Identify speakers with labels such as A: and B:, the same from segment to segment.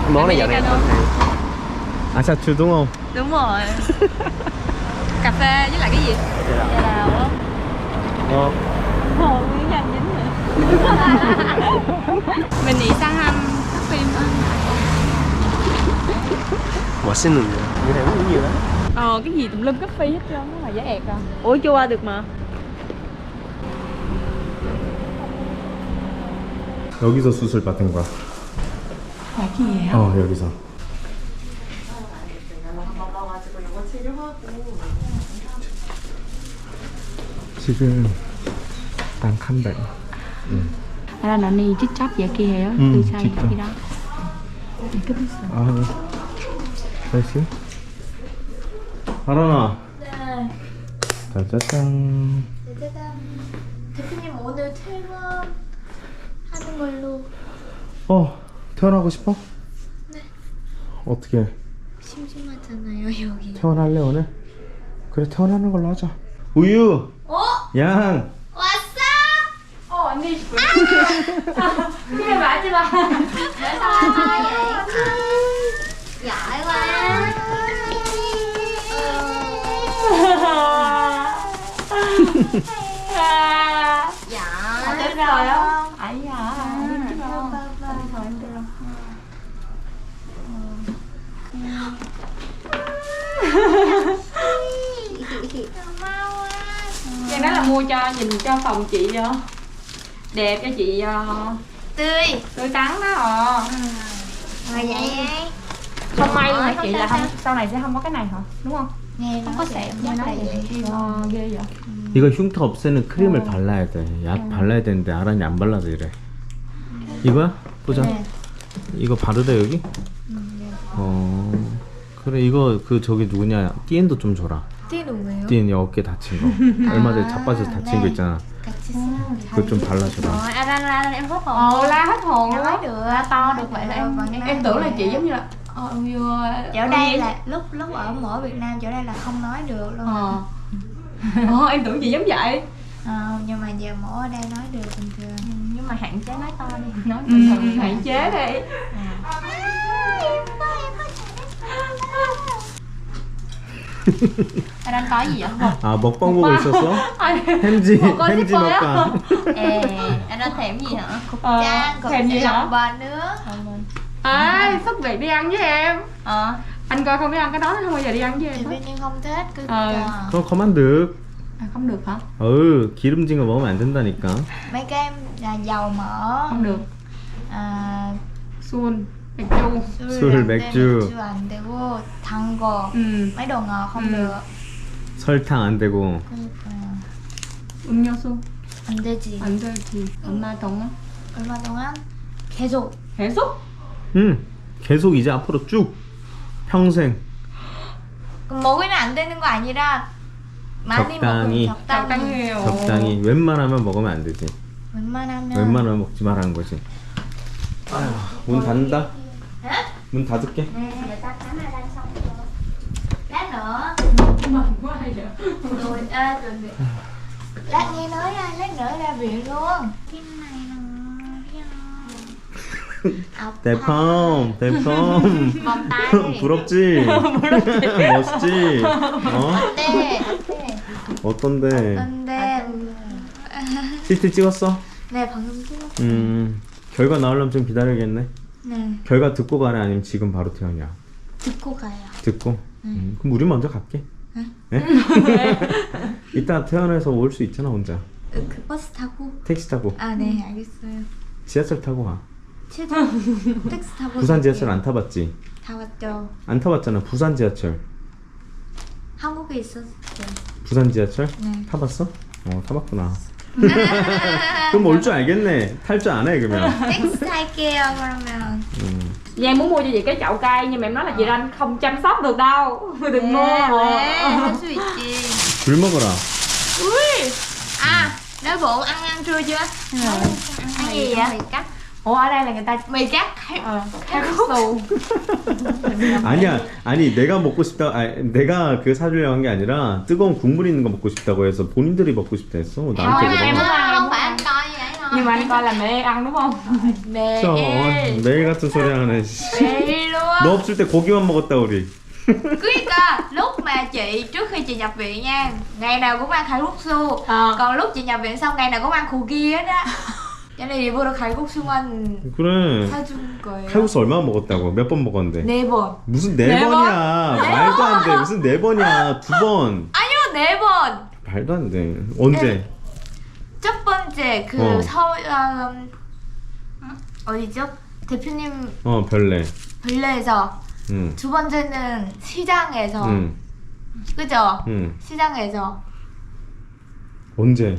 A: Món này dạo này
B: Americano.
A: mình hay. Asachu đúng không?
B: Đúng rồi. Cà phê với lại cái gì? Trà đào á.
A: Ngon.
B: Hồ Nguyễn Thành dính nữa. Mình nghĩ sang phim á.
A: 맛있는데. Người này uống nhiều lắm.
B: Cái gì tùm lum coffee hết trơn á mà giá ẹt à. Ủa chưa qua được mà.
A: 여기서 수술 받은 거야.
B: 여기에요?
A: 여기서. 지금 đang khám bệnh.
B: Là nó đi chích chóc vậy kia hả? Từ xa đi đó. Cái biết sao?
A: 아, 다시. 하란아.
C: 네.
A: 짜자잔.
C: 짜잔. 대표님 오늘 퇴근하는 걸로.
A: 퇴원하고 싶어?
C: 네.
A: 어떻게?
C: 심심하잖아요 여기.
A: 퇴원할래 오늘? 그래 퇴원하는 걸로 하자. 우유. 양.
C: 왔어?
B: 언니. 그래 말지 마.
C: giỏi quá. Dạ.
B: Đến rồi á. Ấy hả? Giang nói là mua cho nhìn cho phòng chị đẹp cho chị
C: tươi
B: tươi tắn đó.
C: Rồi vậy
B: Không may luôn hả chị, là không sau này sẽ không có cái này hả? Đúng không?
C: nghe
B: Không
C: nó
B: có
C: đẹp
B: sẹo
C: nhất
B: như
C: là
B: nó
C: vậy.
B: vậy. Ghê vậy.
A: 이거 흉터 없애는 크림을 발라야 돼. 약 발라야 되는데 아란이 안 발라서 이래. 이거야? 보자.
C: 네.
A: 이거 바르래 여기? 그래 이거 그 저기 누구냐 띠엔도 좀 줘라.
C: 띠 누구예요?
A: 띠엔 어깨 다친 거. 얼마 전에 자빠져서 다친 거 있잖아.
C: 같이 쓰면
A: 그거 좀 발라줘라.
C: Aran em hết hồn.
B: La hết hồn luôn.
C: nói được
B: to được vậy là em tưởng là chị giống như là
C: chỗ đây là lúc ở Việt Nam chỗ đây là không nói được luôn.
B: Em tưởng chị giống vậy.
C: Nhưng mà giờ mổ ở đây nói được bình thường.
B: Nhưng mà hạn chế nói to đi, nói bình thường hạn chế đi. Đang có gì vậy?
A: 아 먹방 보고 있었어? 햄지 햄지 먹방.
C: Anh đang thèm gì hả?
B: Thèm gì hả?
C: Lòng bò nữa.
B: Ê, xuất viện đi ăn với em. Anh coi không biết ăn cái đó, không bao giờ đi ăn với em.
C: Thì bên nhưng không thích cứ
A: 그럼 그만 득.
B: Không được hả?
A: 기름진 거 먹으면 안 된다니까.
C: mấy cái là dầu mỡ.
B: Không được. Xuân, 맥주.
A: 술, 맥주.
C: 맥주 안 되고 단 거. mấy đồ ngọt không được.
A: 설탕 안 되고.
C: 그러니까요.
B: 음료수.
C: 안 되지.
B: 안 되지. 얼마 동안?
C: 얼마 동안 계속.
B: 계속?
A: 계속 이제 앞으로 쭉 평생.
C: 먹으면 안 되는 거 아니라 많이
A: 적당히.
C: 먹으면 적당히.
A: 적당히 웬만하면 먹으면 안 되지.
C: 웬만하면
A: 먹지 말라는 거지. 아휴, 문 닫는다. 문 닫을게.
C: Nè, người ta khám ai đang xong rồi. Lát nữa.
B: Mừng quá vậy.
C: Rồi, rồi. Lát nghe nói ra, lát nữa ra viện luôn. Cái này nó.
A: 대펌.
C: Vòng tay đi.
A: 부럽지? 멋있지?
C: 네.
A: 어떤데?
C: 근데
A: CT 찍었어?
C: 네, 방금 찍었어.
A: 결과 나오려면 좀 기다려야겠네.
C: 네.
A: 결과 듣고 가래 아니면 지금 바로 퇴원이야?
C: 듣고 가요.
A: 듣고? 그럼 우리 먼저 갈게. 네? 이따 퇴원해서 올 수 있잖아 혼자.
C: 그 버스 타고?
A: 택시 타고.
C: 네, 알겠어요.
A: 지하철 타고 가.
C: 택시 타고.
A: 부산 지하철 안 타봤지?
C: 다 왔죠.
A: 안 타봤잖아. 부산 지하철.
C: 한국에 있었어요.
A: 부산 지하철?
C: 네.
A: 타봤어? 타봤구나. 그럼 올 줄 알겠네. 탈 줄 아네 그러면.
C: 택시 탈게요 그러면.
B: Giang muốn mua cho chị cái chậu cây nhưng mà em nói là chị Ranh không chăm sóc được đâu. Đừng mua.
C: 할 수 있지.
A: 귤 먹어라.
B: Ui.
C: Đói bụng ăn trưa chưa? Ăn gì vậy? Mì cắt.
B: Ủa ở đây là người ta
C: mì cắt.
B: 칼국수.
A: 아니야. 아니 내가 먹고 싶다. 내가 그 사주려고 한 게 아니라 뜨거운 국물 있는 거 먹고 싶다고 해서 본인들이 먹고 싶다 했어. 나한테
C: Không
A: 그러면.
C: phải ăn coi như vậy
B: Nhưng mà anh coi là mẹ ăn đúng không?
C: 매일
A: 매일 같은 소리 하네.
C: 매일 luôn.
A: 너 없을 때 고기만 먹었다 우리.
C: 그러니까 lúc mà chị trước khi chị nhập viện nha, ngày nào cũng ăn 칼국수. còn lúc chị nhập viện xong ngày nào cũng ăn 고기 hết á. cho nên 일부러 칼국수만
A: 그래.
C: 사준 거예요.
A: 칼국수 얼마나 먹었다고? 몇 번 먹었는데?
C: 4번.
A: 무슨 네
B: 네 번?
A: 번이야? 말도 안 돼. 무슨 네 번이야? 2번.
C: 아니요 4번.
A: 말도 안 돼. 언제?
C: 첫 번째 그
A: 어.
C: 서울 어디죠? 대표님
A: 별내.
C: 별내에서
A: 응.
C: 두 번째는 시장에서
A: 응.
C: 그죠?
A: 응.
C: 시장에서
A: 언제?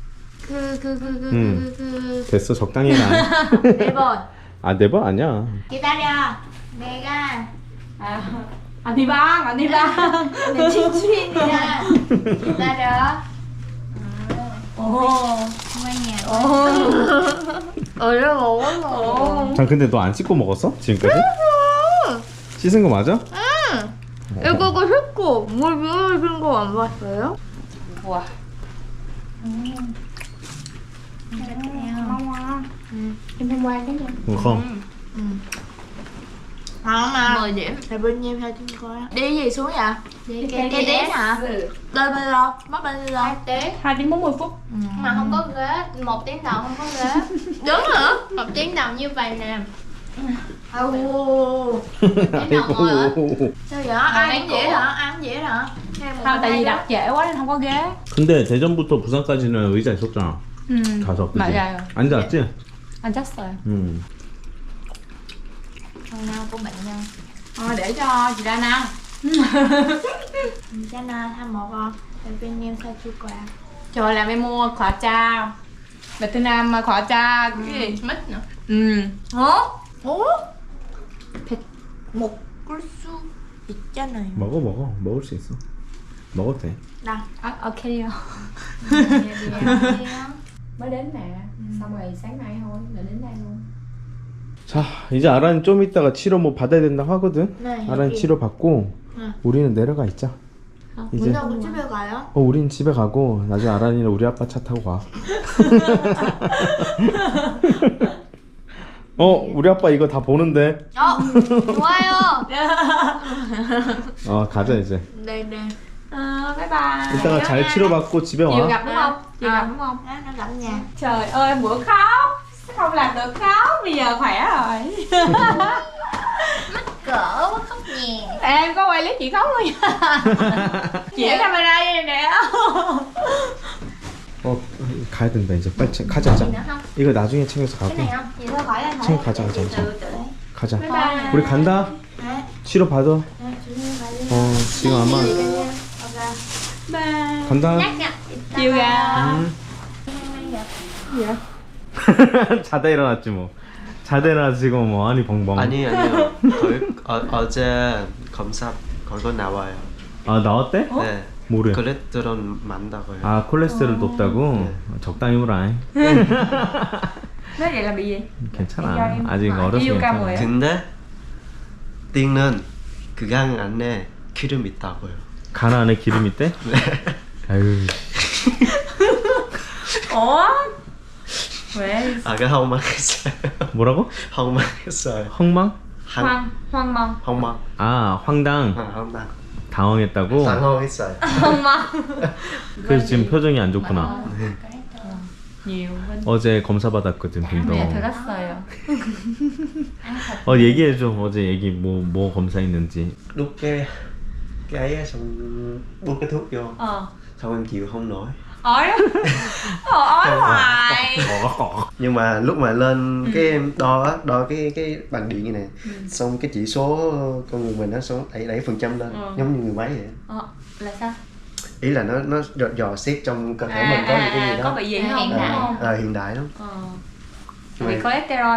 C: 그
A: 됐어 적당히 가.
C: 4번.
A: 아, 네 번 아니야.
C: 기다려. 내가
B: Anh đi bán, anh đi bán.
C: 내 친추인이랑 기다려.
B: Ồ.
C: 얼른 먹어.
A: 자, 근데 너 안 씻고 먹었어? 지금까지? 씻은 거 맞아?
C: 이거 씻고 물 비워진 거 안 봤어요?
B: Wow. Em không quan cái gì.
A: không.
C: mà 10 điểm. 대표님 사준 거야. đi gì xuống vậy?
B: Đi
C: cái đế hả? lên bên lo mất bên lo
D: 2 tiếng
B: 2 tiếng 40 phút.
D: mà không có ghế, 1 tiếng đầu không có ghế.
C: đúng hả?
D: 1 tiếng đầu như vậy nè.
C: Ồ. sao vậy? ăn dễ hả? ăn dễ hả?
B: Không, tại vì đặt trễ quá nên không có ghế.
A: 근데 대전부터 부산까지는 의자 있었잖아. 가서 그치?
B: 맞아요.
A: 앉았지?
B: 앉았어요.
C: Hôm nào của bệnh nhân.
B: Để cho chị Đan ăn.
C: 괜찮아 다 먹어. 대표님 사줄 거야.
B: Trời, làm em mua khỏa cha. 베트남 khỏa cha cái gì?
D: Mít nữa.
C: hả? 어? 먹을 수 있잖아요.
A: 먹어. 먹을 수 있어. 먹어도 돼.
C: 나.
B: Ok đi không? Mới đến nè. Xong rồi sáng nay thôi, là đến đây luôn.
A: 자, 이제 아란 좀 이따가 치료 뭐 받아야 된다고 하거든.
C: 네,
A: 아란
C: 여기.
A: 치료 받고
C: 응.
A: 우리는 내려가 있자. 이제
C: 문하고 집에 가요?
A: 우린 집에 가고 나중에 아란이는 우리 아빠 차 타고 가. 우리 아빠 이거 다 보는데.
C: 좋아요.
A: 가자 이제.
C: 네네.
B: Bye bye.
A: 이따가 잘 치료 받고 집에
B: Chiều
A: 와.
B: gặp đúng không? Chiều gặp đúng không?
C: nó gặp nhà.
B: Trời ơi, bữa khóc. Không làm được khóc, bây giờ khỏe rồi.
C: cỡ quá khóc nhè.
B: Em có quay clip chị khóc luôn nha. Chị ở camera đây nè.
A: 가야 된다 이제 빨리 가자.
C: gì nữa không?
A: 이거 나중에 챙겨서
C: cái
A: 가고.
C: này không? gì thôi khỏi anh
A: 챙 가자. 가자.
C: bye bye.
A: 우리 간다.
C: 네.
A: 치료 받아.
C: 조심히 가세요.
A: 지금 아마
B: Bye.
A: 간다.
C: nhắc nha.
B: Chiều gặp.
C: gì vậy?
A: 자다 일어났지 뭐. 자다 일어나서 지금 뭐 아니 벙벙.
E: 아니요. 어제 검사 결과 나와요.
A: 아, 나왔대?
E: 네.
A: 뭐래?
E: 콜레스테롤 많다고요.
A: 아, 콜레스테롤 높다고? 적당히 먹으라.
B: Nói vậy là bị gì?
A: 괜찮아. 아직 어려서
B: yêu ca
A: 괜찮아.
B: 뭐예요?
E: 근데 띵은 그강 안에 기름 있다고요.
A: 간 안에 기름 있대? 아유.
B: Ủa? 왜?
E: 아까 황망했어요.
A: 뭐라고?
E: 황망했어요.
A: 헝망?
B: Hoang mong.
E: 황망.
A: 아, 황당.
E: 황망.
A: 당황했다고?
E: 당황했어요.
A: 그래서 지금 표정이 안 좋구나.
B: Nhiều bên.
A: 어제 검사 받았거든,
B: Mẹ
A: 빈도.
B: 들었어요.
A: 얘기해줘. 어제 얘기 뭐 검사했는지.
E: Đút cái ấy xong đút cái thuốc vô. Xong em chịu không nổi.
B: Ói ói hoài.
E: Nhưng mà lúc mà lên cái em đo cái bằng điện như này, xong cái chỉ số con người mình nó xuống đẩy phần trăm lên, giống như người máy vậy.
B: Là sao?
E: Ý là nó dò xét trong cơ thể mình có những cái gì đó.
B: Có bị gì không?
C: Hiện đại.
B: Đúng không?
E: Hiện đại lắm.
B: Bị cholesterol.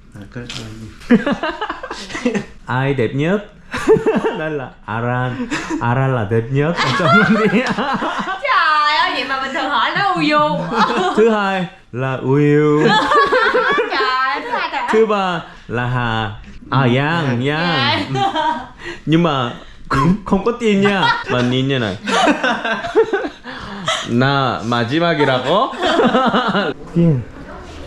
A: Ai đẹp nhất? Đây là Aran. Aran là đẹp nhất ở trong đi.
B: Trời ơi, vậy mà bình thường hỏi nó Uyu.
A: Thứ hai là Will.
B: Trời, thứ hai trời.
A: Thứ ba là Hà. Yang. Nhưng mà không có tin nha. Mà nhìn như này. 나 마지막이라고? 띵.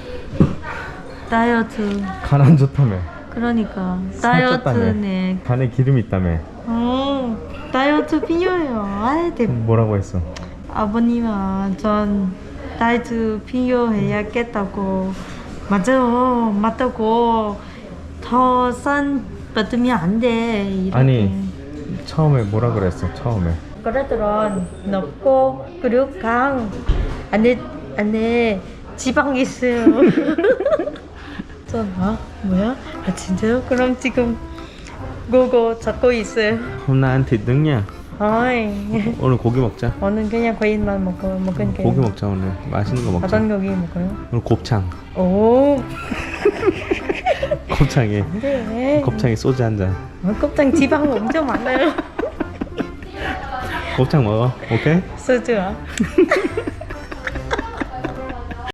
B: 다이어트.
A: 간 안 좋다며.
B: 그러니까
A: 살쪘다며.
B: 다이어트네.
A: 간에 기름이 있다며.
B: 다이어트 필요해요. 아이,
A: 뭐라고 했어?
B: 아버님아, 전 다이어트 필요해야겠다고. 맞아요, 맞다고. 더 싼 받으면 안 돼. 이렇게.
A: 아니 처음에 뭐라 그랬어? 처음에
B: 콜레스테롤 높고 그리고 강 안에 지방 있어요. 전 뭐야? 아 진짜요? 그럼 지금 그거 잡고 있어요.
A: hôm nay ăn thịt nướng nha.
B: 아이,
A: 오늘 고기 먹자.
B: 오늘 그냥 과일만 먹으니까.
A: 고기 먹자 오늘. 맛있는 거 먹자.
B: 어떤 고기 먹어요?
A: 오늘 곱창.
B: 오,
A: 곱창에
B: 네.
A: 곱창에 소주 한 잔.
B: 곱창 지방 엄청 많아요.
A: 곱창 먹어. 오케이?
B: 소주야.